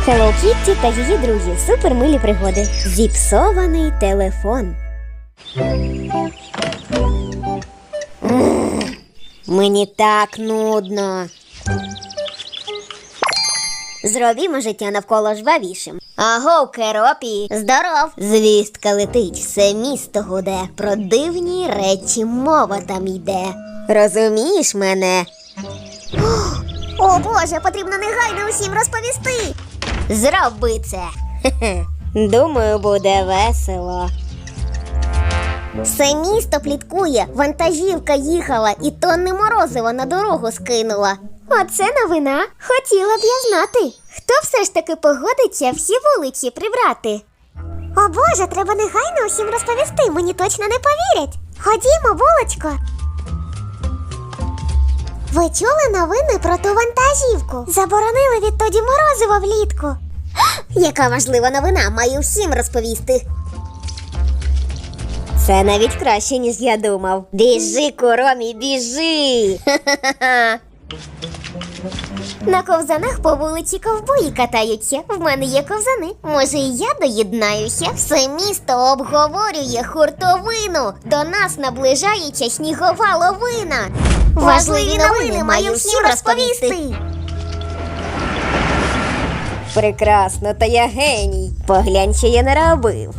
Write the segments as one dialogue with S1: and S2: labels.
S1: Hello Kitty та її друзі. Супермилі пригоди. Зіпсований телефон. Мені так нудно. Зробімо життя навколо жвавішим. Агов, Керопі! Здоров! Звістка летить, все місто гуде. Про дивні речі мова там йде. Розумієш мене?
S2: О Боже, потрібно негайно усім розповісти.
S1: Зроби це. Думаю, буде весело.
S2: Все місто пліткує, вантажівка їхала і тонни морозива на дорогу скинула.
S1: Оце новина. Хотіла б я знати, хто все ж таки погодиться всі вулиці прибрати.
S2: О Боже, треба негайно усім розповісти, мені точно не повірять. Ходімо, булочко. Ви чули новини про ту вантажівку? Заборонили відтоді морозиво влітку. Яка важлива новина, маю всім розповісти.
S1: Це навіть краще, ніж я думав. Біжи, Куромі, біжи!
S2: На ковзанах по вулиці ковбої катаються. В мене є ковзани. Може, і я доєднаюся? Все місто обговорює хуртовину. До нас наближається снігова лавина. Важливі новини маю всім розповісти.
S1: Прекрасно, та я геній. Поглянь, що я наробив.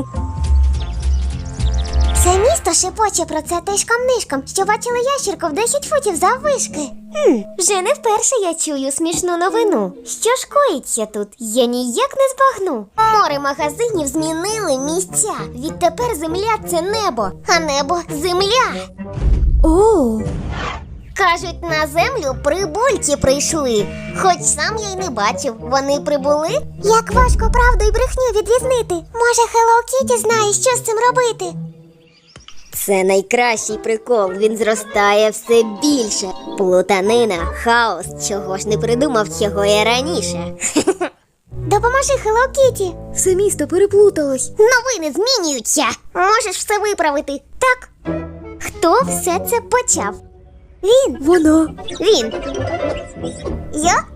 S2: Все місто шепоче про це тишком-нишком, що бачили ящірку в 10 футів заввишки.
S1: Вже не вперше я чую смішну новину. Що ж коїться тут? Я ніяк не збагну.
S2: Море магазинів змінили місця. Відтепер земля – це небо, а небо – земля.
S1: О!
S2: Кажуть, на землю прибульці прийшли. Хоч сам я й не бачив. Вони прибули? Як важко правду й брехню відрізнити. Може, Hello Kitty знає, що з цим робити?
S1: Це найкращий прикол, він зростає все більше. Плутанина, хаос, чого ж не придумав цього я раніше.
S2: Допоможи, Hello Kitty.
S1: Все місто переплуталось.
S2: Новини змінюються. Можеш все виправити. Так. Хто все це почав? Він.
S1: Вона.
S2: Він. Я?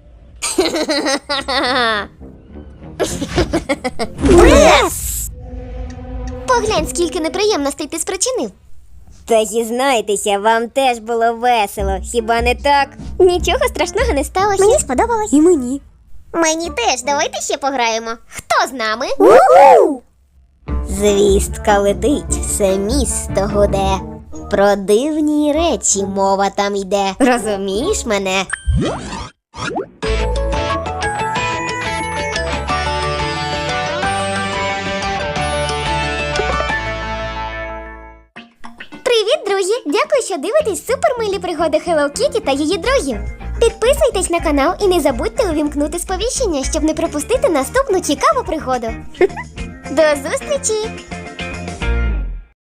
S2: Брес! Поглянь, скільки неприємностей ти спричинив.
S1: Та зізнайтеся, вам теж було весело, хіба не так?
S2: Нічого страшного не сталося. Мені сподобалось.
S1: І мені.
S2: Мені теж. Давайте ще пограємо. Хто з нами?
S1: Звістка летить, все місто гуде. Про дивні речі мова там йде. Розумієш мене?
S2: Привіт, друзі! Дякую, що дивитесь супермилі пригоди Hello Kitty та її друзів. Підписуйтесь на канал і не забудьте увімкнути сповіщення, щоб не пропустити наступну цікаву пригоду. До зустрічі!